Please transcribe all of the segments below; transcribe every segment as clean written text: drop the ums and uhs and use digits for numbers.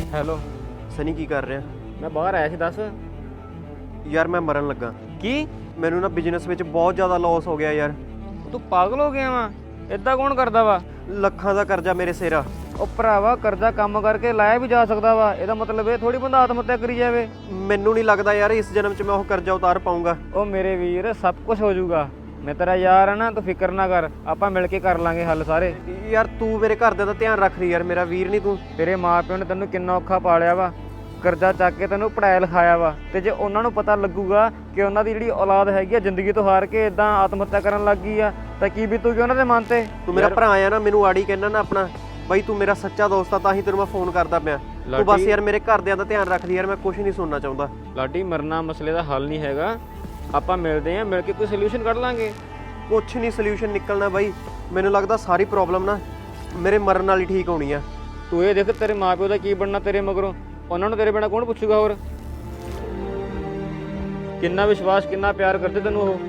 Hello Sunny ਕੀ ਕਰ ਰਿਹਾ? ਮੈਂ ਬਾਹਰ ਆਇਆ ਸੀ, ਦੱਸ। ਯਾਰ ਮੈਂ ਮਰਨ ਲੱਗਾ। ਕੀ? ਮੈਨੂੰ ਨਾ ਬਿਜ਼ਨਸ ਵਿੱਚ ਬਹੁਤ ਜ਼ਿਆਦਾ ਲਾਸ ਹੋ ਗਿਆ ਯਾਰ। ਤੂੰ ਪਾਗਲ ਹੋ ਗਿਆ ਵਾ? ਇਦਾਂ ਕੌਣ ਕਰਦਾ ਵਾ? ਲੱਖਾਂ ਦਾ ਕਰਜ਼ਾ ਮੇਰੇ ਸਿਰ ਆ। ਉਹ ਭਰਾਵਾ, ਕਰਜ਼ਾ ਕੰਮ ਕਰਕੇ ਲਾਇਆ ਵੀ ਜਾ ਸਕਦਾ ਵਾ। ਇਹਦਾ ਮਤਲਬ ਇਹ ਥੋੜੀ ਬੰਦਾ ਆਤਮ ਹੱਤਿਆ ਕਰੀ ਜਾਵੇ। ਮੈਨੂੰ ਨਹੀਂ ਲੱਗਦਾ ਯਾਰ ਇਸ ਜਨਮ 'ਚ ਮੈਂ ਉਹ ਕਰਜ਼ਾ ਉਤਾਰ ਪਾਊਂਗਾ। ਉਹ ਮੇਰੇ ਵੀਰ, ਸਭ ਕੁਝ ਹੋ ਜਾਊਗਾ। ਮੈਂ ਤੇਰਾ ਯਾਰ ਆ ਨਾ, ਤੂੰ ਫਿਕਰ ਨਾ ਕਰ। ਆਪਾਂ ਮਿਲ ਕੇ ਕਰ ਲਾਂਗੇ ਹੱਲ ਸਾਰੇ। ਯਾਰ ਤੂੰ ਮੇਰੇ ਘਰਦਿਆਂ ਦਾ ਧਿਆਨ ਰੱਖ ਰਹੀ ਯਾਰ, ਮੇਰਾ ਵੀਰ ਨਹੀਂ ਤੂੰ। ਤੇਰੇ ਮਾਪਿਓ ਨੇ ਤੈਨੂੰ ਕਿੰਨਾ ਔਖਾ ਪਾਲਿਆ ਵਾ, ਕਰਜ਼ਾ ਚੱਕ ਕੇ ਤੈਨੂੰ ਪੜ੍ਹਾਇਆ ਲਿਖਾਇਆ ਵਾ। ਤੇ ਜੇ ਉਹਨਾਂ ਨੂੰ ਪਤਾ ਲੱਗੂਗਾ ਕਿ ਉਹਨਾਂ ਦੀ ਜਿਹੜੀ ਔਲਾਦ ਹੈਗੀ ਆ ਜ਼ਿੰਦਗੀ ਤੋਂ ਹਾਰ ਕੇ ਇਦਾਂ ਆਤਮ ਹੱਤਿਆ ਕਰਨ ਲੱਗ ਗਈ ਆ, ਤਾਂ ਕੀ ਬੀਤੂਗੀ ਉਹਨਾਂ ਦੇ ਮਨ ਤੇ? ਤੂੰ ਮੇਰਾ ਭਰਾ ਆ ਨਾ, ਮੈਨੂੰ ਆੜੀ ਕਹਿਣਾ ਨਾ ਆਪਣਾ। ਬਾਈ ਤੂੰ ਮੇਰਾ ਸੱਚਾ ਦੋਸਤ ਆ, ਤਾਂ ਹੀ ਤੈਨੂੰ ਮੈਂ ਫੋਨ ਕਰਦਾ ਪਿਆ। ਤੂੰ ਬਸ ਯਾਰ ਮੇਰੇ ਘਰਦਿਆਂ ਦਾ ਧਿਆਨ ਰੱਖਦੀ ਯਾਰ, ਮੈਂ ਕੁਝ ਨਹੀਂ ਸੁਣਨਾ ਚਾਹੁੰਦਾ। ਲਾਡੀ, ਮਰਨਾ ਮਸਲੇ ਦਾ ਹੱਲ ਨਹੀਂ ਹੈਗਾ। ਆਪਾਂ ਮਿਲਦੇ ਆਂ, ਮਿਲ ਕੇ ਕੋਈ ਸੋਲੂਸ਼ਨ ਕੱਢ ਲਾਂਗੇ। ਕੁਛ ਨਹੀਂ ਸੋਲੂਸ਼ਨ ਨਿਕਲਣਾ ਬਾਈ। ਮੈਨੂੰ ਲੱਗਦਾ ਸਾਰੀ ਪ੍ਰੋਬਲਮ ਨਾ ਮੇਰੇ ਮਰਨ ਨਾਲ ਹੀ ਠੀਕ ਹੋਣੀ ਆ। ਤੂੰ ਇਹ ਦੇਖ, ਤੇਰੇ ਮਾਪਿਓ ਦਾ ਕੀ ਬਣਨਾ ਤੇਰੇ ਮਗਰੋਂ। ਉਹਨਾਂ ਨੂੰ ਤੇਰੇ ਬਿਨਾਂ ਕੌਣ ਪੁੱਛੂਗਾ? ਹੋਰ ਕਿੰਨਾ ਵਿਸ਼ਵਾਸ, ਕਿੰਨਾ ਪਿਆਰ ਕਰਦੇ ਤੈਨੂੰ ਉਹ।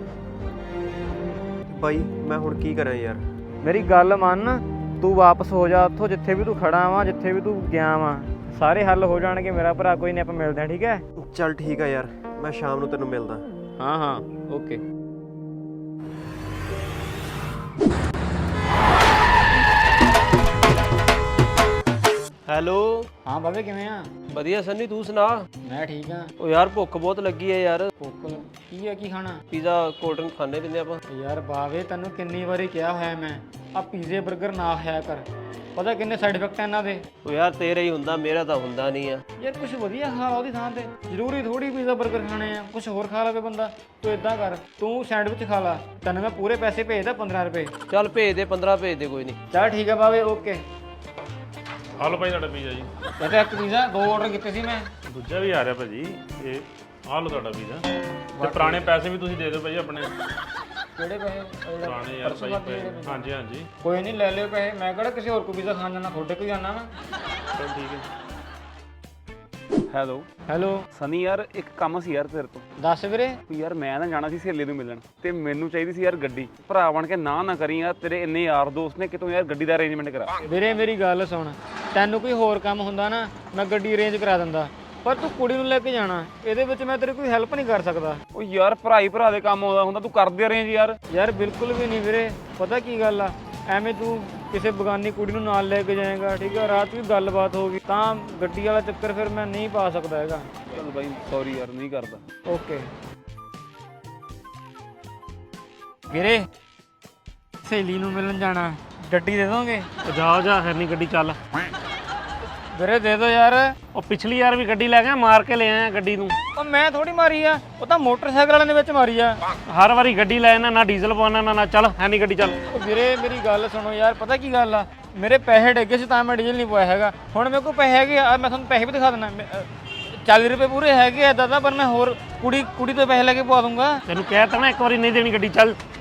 ਬਾਈ ਮੈਂ ਹੁਣ ਕੀ ਕਰਾਂ ਯਾਰ? ਮੇਰੀ ਗੱਲ ਮੰਨ, ਤੂੰ ਵਾਪਸ ਹੋ ਜਾ ਉੱਥੋਂ ਜਿੱਥੇ ਵੀ ਤੂੰ ਖੜਾ ਵਾਂ, ਜਿੱਥੇ ਵੀ ਤੂੰ ਗਿਆ ਵਾਂ। ਸਾਰੇ ਹੱਲ ਹੋ ਜਾਣਗੇ ਮੇਰਾ ਭਰਾ। ਕੋਈ ਨਹੀਂ, ਆਪਾਂ ਮਿਲਦੇ ਆਂ, ਠੀਕ ਹੈ? ਚੱਲ ਠੀਕ ਆ ਯਾਰ, ਮੈਂ ਸ਼ਾਮ ਨੂੰ ਤੈਨੂੰ ਮਿਲਦਾ। ਹਾਂ ਹਾਂ, ਓਕੇ। ਹੈਲੋ। ਹਾਂ ਬਾਬੇ, ਕਿਵੇਂ ਆ? ਵਧੀਆ ਸਨੀ, ਤੂੰ ਸੁਣਾ? ਮੈਂ ਠੀਕ ਆ। ਉਹ ਯਾਰ ਭੁੱਖ ਬਹੁਤ ਲੱਗੀ ਹੈ ਯਾਰ। ਭੁੱਖ ਕੀ ਆ? ਕੀ ਖਾਣਾ? ਪੀਜ਼ਾ ਕੋਲਡ ਡਰਿੰਕ ਖਾਣੇ ਪੀਂਦੇ ਆਪਾਂ। ਯਾਰ ਬਾਵੇ, ਤੈਨੂੰ ਕਿੰਨੀ ਵਾਰੀ ਕਿਹਾ ਹੋਇਆ ਮੈਂ, ਆ ਪੀਜ਼ੇ 버ਗਰ ਨਾ ਖਾਇਆ ਕਰ। ਪਤਾ ਕਿੰਨੇ ਸਾਈਡ ਇਫੈਕਟ ਆ ਇਹਨਾਂ ਦੇ। ਉਹ ਯਾਰ ਤੇਰਾ ਹੀ ਹੁੰਦਾ, ਮੇਰਾ ਤਾਂ ਹੁੰਦਾ ਨਹੀਂ ਆ। ਯਾਰ ਕੁਝ ਵਧੀਆ ਖਾ ਲਾ ਉਹਦੀ ਥਾਂ ਤੇ। ਜ਼ਰੂਰੀ ਥੋੜੀ ਪੀਜ਼ਾ 버ਗਰ ਖਾਣੇ ਆ, ਕੁਝ ਹੋਰ ਖਾ ਲਵੇ ਬੰਦਾ। ਤੂੰ ਇਦਾਂ ਕਰ, ਤੂੰ ਸੈਂਡਵਿਚ ਖਾ ਲਾ। ਤੈਨੂੰ ਮੈਂ ਪੂਰੇ ਪੈਸੇ ਭੇਜਦਾ, 15 ਰੁਪਏ। ਚੱਲ ਭੇਜ ਦੇ, 15 ਭੇਜ ਦੇ, ਕੋਈ ਨਹੀਂ। ਚੱਲ ਠੀਕ ਆ ਬਾਵੇ, ਓਕੇ। ਹਲੋ ਭਾਈ, ਤੁਹਾਡਾ ਪੀਜ਼ਾ ਜੀ। ਇਹ ਤਾਂ ਇੱਕ ਪੀਜ਼ਾ, 2 ਆਰਡਰ ਕੀਤੇ ਸੀ ਮੈਂ। ਦੂਜਾ ਵੀ ਆ ਰਿਹਾ ਭਾਜੀ। ਇਹ ਆਹ ਲਓ ਤੁਹਾਡਾ ਪੀਜ਼ਾ। ਤੇ ਪੁਰਾਣੇ ਪੈਸੇ ਵੀ ਤੁਸੀਂ ਦੇ ਦਿਓ ਭਾਈ ਆਪਣੇ। ਕਿਹੜੇ ਪੈਸੇ? ਪੁਰਾਣੇ ਯਾਰ ਭਾਈ ਪਏ। ਹਾਂਜੀ ਹਾਂਜੀ, ਕੋਈ ਨਹੀਂ, ਲੈ ਲਿਓ ਪੈਸੇ। ਮੈਂ ਕਿਹੜਾ ਕਿਸੇ ਹੋਰ ਕੋ ਪੀਜ਼ਾ ਖਾਣ ਜਾਣਾ, ਤੁਹਾਡੇ ਕੋਲ ਜਾਣਾ ਵਾ। ਚਲ ਠੀਕ ਹੈ। ਹੈਲੋ ਹੈਲੋ ਸਨੀ, ਯਾਰ ਇੱਕ ਕੰਮ ਸੀ ਯਾਰ ਤੇਰੇ ਤੋਂ। ਦੱਸ ਵੀਰੇ। ਯਾਰ ਮੈਂ ਨਾ ਜਾਣਾ ਸੀ ਸਹੇਲੀ ਨੂੰ ਮਿਲਣ, ਤੇ ਮੈਨੂੰ ਚਾਹੀਦੀ ਸੀ ਯਾਰ ਗੱਡੀ। ਭਰਾ ਬਣ ਕੇ ਨਾ ਕਰੀ ਯਾਰ, ਤੇਰੇ ਇੰਨੇ ਯਾਰ ਦੋਸਤ ਨੇ, ਕਿਤੋਂ ਯਾਰ ਗੱਡੀ ਦਾ ਅਰੇਂਜਮੈਂਟ ਕਰਾ। ਵੀਰੇ ਮੇਰੀ ਗੱਲ ਸੁਣ, ਤੈਨੂੰ ਕੋਈ ਹੋਰ ਕੰਮ ਹੁੰਦਾ ਨਾ, ਮੈਂ ਗੱਡੀ ਅਰੇਂਜ ਕਰਾ ਦਿੰਦਾ। ਪਰ ਤੂੰ ਕੁੜੀ ਨੂੰ ਲੈ ਕੇ ਜਾਣਾ, ਇਹਦੇ ਵਿੱਚ ਮੈਂ ਤੇਰੀ ਕੋਈ ਹੈਲਪ ਨਹੀਂ ਕਰ ਸਕਦਾ। ਉਹ ਯਾਰ ਭਰਾ ਦੇ ਕੰਮ ਆਉਂਦਾ ਹੁੰਦਾ, ਤੂੰ ਕਰਦੇ ਅਰੇਂਜ ਯਾਰ। ਯਾਰ ਬਿਲਕੁਲ ਵੀ ਨਹੀਂ ਵੀਰੇ। ਪਤਾ ਕੀ ਗੱਲ ਆ, ਐਵੇਂ ਤੂੰ ਕਿਸੇ ਬਗਾਨੀ ਕੁੜੀ ਨੂੰ ਨਾਲ ਲੈ ਕੇ ਜਾਏਗਾ, ਠੀਕ ਆ? ਰਾਤ ਵੀ ਗੱਲਬਾਤ ਹੋ ਗਈ ਤਾਂ ਗੱਡੀ ਵਾਲਾ ਚੱਕਰ ਫਿਰ ਮੈਂ ਨਹੀਂ ਪਾ ਸਕਦਾ ਹੈਗਾ। ਚੱਲ ਬਾਈ ਸੌਰੀ ਯਾਰ, ਨਹੀਂ ਕਰਦਾ। ਓਕੇ ਵੀਰੇ, ਸਹੇਲੀ ਨੂੰ ਮਿਲਣ ਜਾਣਾ, ਗੱਡੀ ਦੇ ਦੋਗੇ? ਜਾ ਫਿਰ ਨਹੀਂ ਗੱਡੀ ਚੱਲ। ਵੀਰੇ ਦੇ ਦੋ ਯਾਰ। ਉਹ ਪਿਛਲੀ ਯਾਰ ਵੀ ਗੱਡੀ ਲੈ ਗਿਆ, ਮਾਰ ਕੇ ਲੈ ਆਇਆ ਗੱਡੀ ਨੂੰ। ਉਹ ਮੈਂ ਥੋੜੀ ਮਾਰੀ ਆ, ਉਹ ਤਾਂ ਮੋਟਰਸਾਈਕਲ ਵਾਲਿਆਂ ਦੇ ਵਿੱਚ ਮਾਰੀ ਆ। ਹਰ ਵਾਰੀ ਗੱਡੀ ਲੈ ਆਣਾ, ਨਾ ਡੀਜ਼ਲ ਪਵਾਉਣਾ ਨਾ ਚੱਲ ਹੈ ਨਹੀਂ ਗੱਡੀ ਚੱਲ। ਉਹ ਵੀਰੇ ਮੇਰੀ ਗੱਲ ਸੁਣੋ ਯਾਰ, ਪਤਾ ਕੀ ਗੱਲ ਆ, ਮੇਰੇ ਪੈਸੇ ਡਿੱਗੇ ਸੀ ਤਾਂ ਮੈਂ ਡੀਜ਼ਲ ਨਹੀਂ ਪਵਾਇਆ ਹੈਗਾ। ਹੁਣ ਮੇਰੇ ਕੋਲ ਪੈਸੇ ਹੈਗੇ ਆ, ਮੈਂ ਤੁਹਾਨੂੰ ਪੈਸੇ ਵੀ ਦਿਖਾ ਦਿੰਦਾ। 40 ਰੁਪਏ ਪੂਰੇ ਹੈਗੇ ਆ ਦਾਦਾ, ਪਰ ਮੈਂ ਹੋਰ ਕੁੜੀ ਤੋਂ ਪੈਸੇ ਲੈ ਕੇ ਪਵਾ ਦੂੰਗਾ। ਤੈਨੂੰ ਕਹਿ ਤਾ ਨਾ ਇੱਕ ਵਾਰੀ, ਨਹੀਂ ਦੇਣੀ ਗੱਡੀ ਚੱਲ।